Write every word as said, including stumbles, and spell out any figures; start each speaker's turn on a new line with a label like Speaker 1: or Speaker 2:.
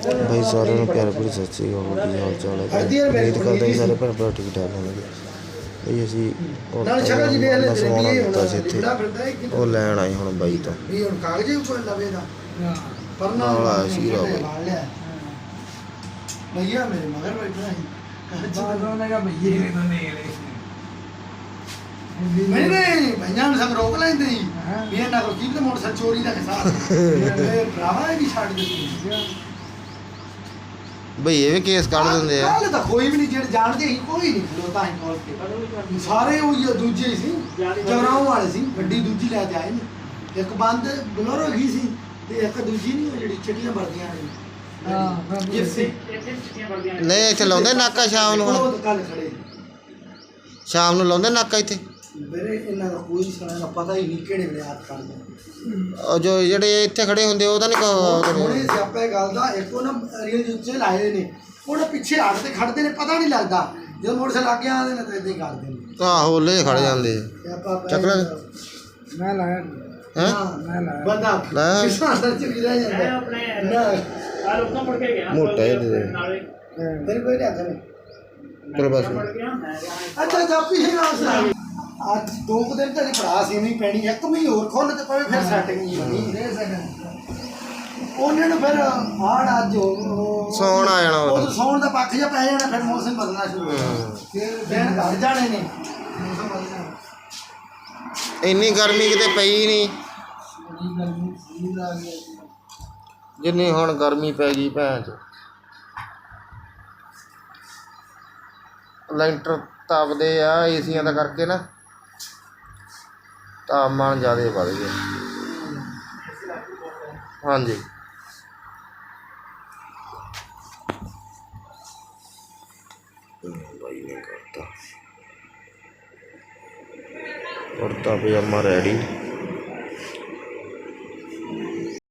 Speaker 1: भाई सारे प्यार भरी सत श्री अकाल की हाल चाल है उम्मीद करता ही सारे भैन भरा ठीक ठाक होंगे भाई असी समान दिता से इतने वो लैन आए हूँ बाई तो नाल आया शीरा
Speaker 2: नहीं नहीं भैया ने सब रोक लेंदे ही ये ना को कीप मोटरसाइकिल चोरी दा हिसाब ए भरावा भी छाड़ दे
Speaker 1: भाई ये भी केस काट देंदे आ
Speaker 2: कल तो कोई भी नहीं जेड़ जानदे ही कोई नहीं खलोता ही कॉल के सारे वो दूजे ही सी जगराओं वाले सी गड्डी दूजी ले के आए ने एक बंद बोलेरो गई सी ते एक दूजी नहीं जेडी चिट्टियां भरदियां ने हां ये सी चिट्टियां भरदियां
Speaker 1: नहीं इथे लाउंदे नाका शाम ਨੂੰ
Speaker 2: कल खड़े
Speaker 1: शाम ਨੂੰ ਲਾਉਂਦੇ ਨਾਕਾ ਇੱਥੇ
Speaker 2: ਮੇਰੇ ਇਹਨਾਂ ਦਾ ਕੋਈ ਸਾਰਾ ਪਤਾ ਹੀ ਨਹੀਂ ਕਿਹੜੇ ਵੇਲੇ ਹੱਥ ਕਰਦੇ
Speaker 1: ਉਹ ਜੋ ਜਿਹੜੇ ਇੱਥੇ ਖੜੇ ਹੁੰਦੇ ਉਹ ਤਾਂ ਨਹੀਂ ਕਹੋ
Speaker 2: ਹੁਣੇ ਸਿਆਪਾ ਗੱਲ ਦਾ ਇੱਕ ਉਹ ਨਾ ਰੀਅਲ ਜੁੱਤੇ ਲਾਏ ਨੇ ਉਹਨੇ ਪਿੱਛੇ ਹੱਟ ਤੇ ਖੜਦੇ ਨੇ ਪਤਾ ਨਹੀਂ ਲੱਗਦਾ ਜਦੋਂ ਮੋਟਰਸਾਈਕਲ ਲੱਗ ਗਿਆ ਆਉਂਦੇ ਨੇ ਤਾਂ ਇਦਾਂ ਹੀ ਕਰਦੇ ਨੇ
Speaker 1: ਆਹੋ ਲੈ ਖੜ ਜਾਂਦੇ ਚੱਕ ਲੈ
Speaker 2: ਮੈਂ ਲਾਇਆ
Speaker 1: ਹੈ
Speaker 2: ਮੈਂ ਲਾਇਆ ਬੰਦਾ ਕਿਸਾਨ ਦਾ ਚ ਵੀ ਰਹਿ ਜਾਂਦਾ ਮੈਂ ਆਪਣੇ ਆ ਲੋਕਾਂ ਮੁੜ ਕੇ ਗਿਆ
Speaker 1: ਮੋਟਾ ਇਹਦੇ
Speaker 2: ਨਾਲੇ ਤੇਰੇ ਕੋਈ ਨਹੀਂ ਆਖਣੇ
Speaker 1: ਪਰ ਬਸ
Speaker 2: ਅੱਛਾ ਜਾਪੀ ਹੈ ਨਾ ਅੱਜ ਦੋ ਕੁ ਦਿਨ ਤੇਰੀ ਭਰਾ ਸੀ ਨਹੀਂ ਪੈਣੀ ਇੱਕ ਮਹੀਨੇ ਹੋਰ ਖੋਲ ਤੇ ਪਵੇ ਫਿਰ ਸੈਟਿੰਗ ਨਹੀਂ ਹੋਣੀ ਰਹਿ ਸਕਣ ਉਹਨਾਂ ਨੂੰ ਫਿਰ ਆੜ ਅੱਜ
Speaker 1: ਸੌਣ ਆ ਜਾਣਾ
Speaker 2: ਉਹ ਸੌਣ ਦਾ ਪੱਖ ਜਿਹਾ ਪੈ ਜਾਣਾ ਫਿਰ ਮੌਸਮ ਬਦਲਣਾ ਸ਼ੁਰੂ ਹੋ ਜਾਣਾ ਫਿਰ ਦਿਨ ਘਟ ਜਾਣੇ ਨੇ ਮੌਸਮ ਬਦਲਣਾ
Speaker 1: ਇੰਨੀ ਗਰਮੀ ਕਿਤੇ ਪਈ ਨਹੀਂ ਜਿੰਨੀ ਹੁਣ ਗਰਮੀ ਪੈ ਗਈ ਭੈਣ ਚ ਲੈਂਟਰ ਤਪਦੇ ਆ ਏਸੀਆਂ ਦਾ ਕਰਕੇ ਨਾ ਤਾਪਮਾਨ ਜ਼ਿਆਦਾ ਵੱਧ ਗਿਆ ਹਾਂਜੀ भाई ने करता कुर्ता पजामा रेडी।